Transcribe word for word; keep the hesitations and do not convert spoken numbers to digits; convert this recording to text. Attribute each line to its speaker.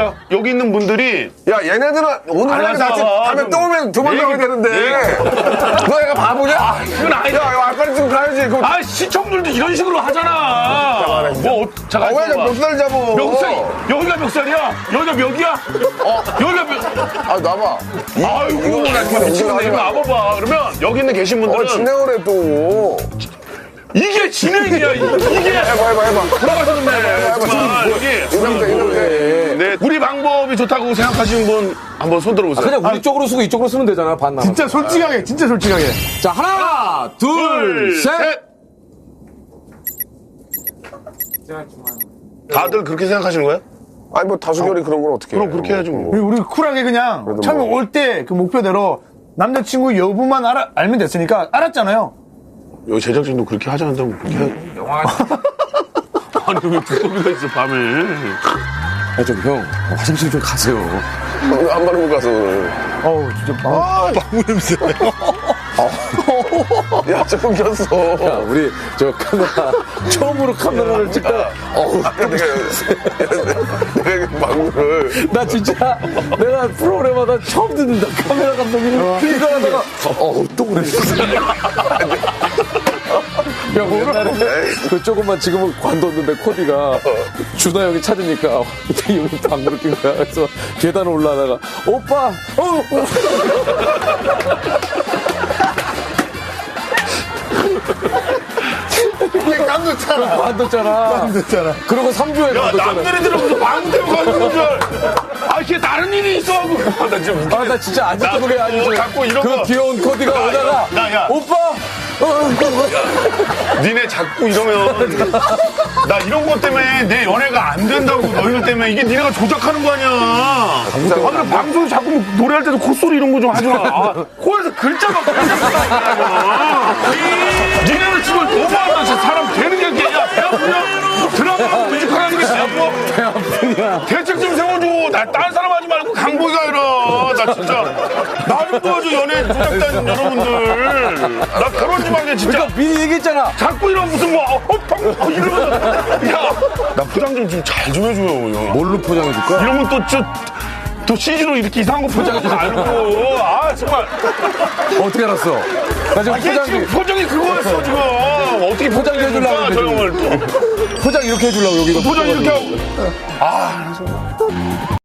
Speaker 1: 여기 있는 분들이
Speaker 2: 야 얘네들은 오늘
Speaker 1: 알았어,
Speaker 2: 같이 가면
Speaker 1: 좀
Speaker 2: 떠오면 두 번
Speaker 1: 얘기-
Speaker 2: 나와야 되는데 너 얘가 바보냐?
Speaker 1: 아, 그건 아니다.
Speaker 2: 야 이거 아까는 지금 가야지. 그럼
Speaker 1: 아 시청률도 이런 식으로 하잖아. 뭐 어, 잠깐
Speaker 2: 아, 왜
Speaker 1: 있어봐.
Speaker 2: 몇 살 잡어?
Speaker 1: 몇 살? 여기가 몇 살이야? 여기가 몇이야? 어 여기가 몇?
Speaker 2: 아 나봐.
Speaker 1: 아이고 나 진짜 미치겠네. 이거 와봐봐. 그러면 여기 있는 계신 분들은
Speaker 2: 어 진행을 해 또.
Speaker 1: 이게 진행이야. 이- 이게
Speaker 2: 해봐 해봐 해봐.
Speaker 1: 돌아가셨네.
Speaker 2: 해봐.
Speaker 1: 정말 여기
Speaker 2: 이렇게 이렇게.
Speaker 1: 네, 우리 방법이 좋다고 생각하시는 분 한번 손 들어보세요.
Speaker 3: 그냥 우리 쪽으로 쓰고 이쪽으로 쓰면 되잖아, 반 남.
Speaker 4: 진짜 솔직하게, 진짜 솔직하게.
Speaker 3: 자, 하나, 둘, 셋.
Speaker 1: 다들 그렇게 생각하시는 거예요?
Speaker 2: 아니 뭐 다수결이 그런 건 어떻게?
Speaker 1: 그럼 그렇게 해야지 뭐.
Speaker 4: 우리 쿨하게 그냥
Speaker 2: 그래도
Speaker 4: 처음에
Speaker 2: 뭐.
Speaker 4: 올 때 그 목표대로 남자친구 여부만 알아, 알면 됐으니까 알았잖아요.
Speaker 1: 여기 제작진도 그렇게 하자 한다고 그렇게 해. 영화. 아니 왜 두꺼비가 있어 밤에?
Speaker 3: 아, 좀 형, 화장실 좀 가세요.
Speaker 2: 오늘 한 번은 못 가서 오늘.
Speaker 4: 어우, 진짜. 아,
Speaker 1: 방구 냄새.
Speaker 2: 야 조금 꼈어.
Speaker 3: 야, 우리 저 카메라, 처음으로 카메라를 찍다가, 어우,
Speaker 2: 아까 내가 내가 방구를
Speaker 3: 나 진짜, 내가 프로그램마다 처음 듣는다. 카메라 감독님이 이거 하다가, 어우, 또 그래. 야, 옛날에 그 조금만 지금은 관뒀는데 코디가 준하 형이 찾으니까 어떻게 형이 방구를 낀 거야. 그래서 계단 올라가다가 오빠, 어, 어.
Speaker 4: 이게 깜짝잖아.
Speaker 3: 관뒀잖아.
Speaker 4: 깜짝잖아.
Speaker 3: 그러고 삼 주에
Speaker 1: 야
Speaker 3: 관뒀잖아.
Speaker 1: 남들이 들어서 방구 때문에 가는 줄. 아 이게 다른 일이 있어하고. 아, 나 지금
Speaker 3: 아, 나 진짜 안
Speaker 1: 나
Speaker 3: 듣고 그래. 아니, 저,
Speaker 1: 자꾸 이런
Speaker 3: 그
Speaker 1: 거.
Speaker 3: 귀여운 코디가
Speaker 1: 야,
Speaker 3: 오다가
Speaker 1: 야, 야.
Speaker 3: 오빠, 어, 어, 어.
Speaker 1: 니네 자꾸 이러면 나 이런 것 때문에 내 연애가 안 된다고 너희들 때문에 이게 니네가 조작하는 거 아니야. 아 그래 방송 자꾸 뭐 노래할 때도 콧소리 이런 거 좀 하지 마. 아, 코에서 글자가 글자가 니네는 지금 너무하다. 진짜 사람 되는 게 이렇게 야 배 아프냐? 드라마 뮤지컬 하는 게 배 아파? 배 아프냐? 대책 좀 세워줘. 나 딴 사람 하지 말고 강보이가 해라. 나 진짜 나 좀 도와줘 연예 조작단 여러분들. 나 그러지 말게 진짜.
Speaker 3: 그러니까 미리 얘기했잖아.
Speaker 1: 자꾸 이런 무슨 뭐, 어, 어, 어, 이러면, 야, 나 포장 좀 좀 잘 좀 해줘요, 형.
Speaker 3: 뭘로 포장해줄까?
Speaker 1: 이러면 또, 저, 또 씨지로 이렇게 이상한 거 포장하지 말고. 아, 정말.
Speaker 3: 어떻게 알았어? 나 지금
Speaker 1: 아, 얘
Speaker 3: 포장,
Speaker 1: 지금 표정이 그거였어, 지금. 어떻게
Speaker 3: 포장 해주려고
Speaker 1: 포장해줄까, 저 형을 또.
Speaker 3: 포장 이렇게 해주려고 여기다
Speaker 1: 포장 이렇게 하고.
Speaker 3: 포장해주려고.
Speaker 1: 아,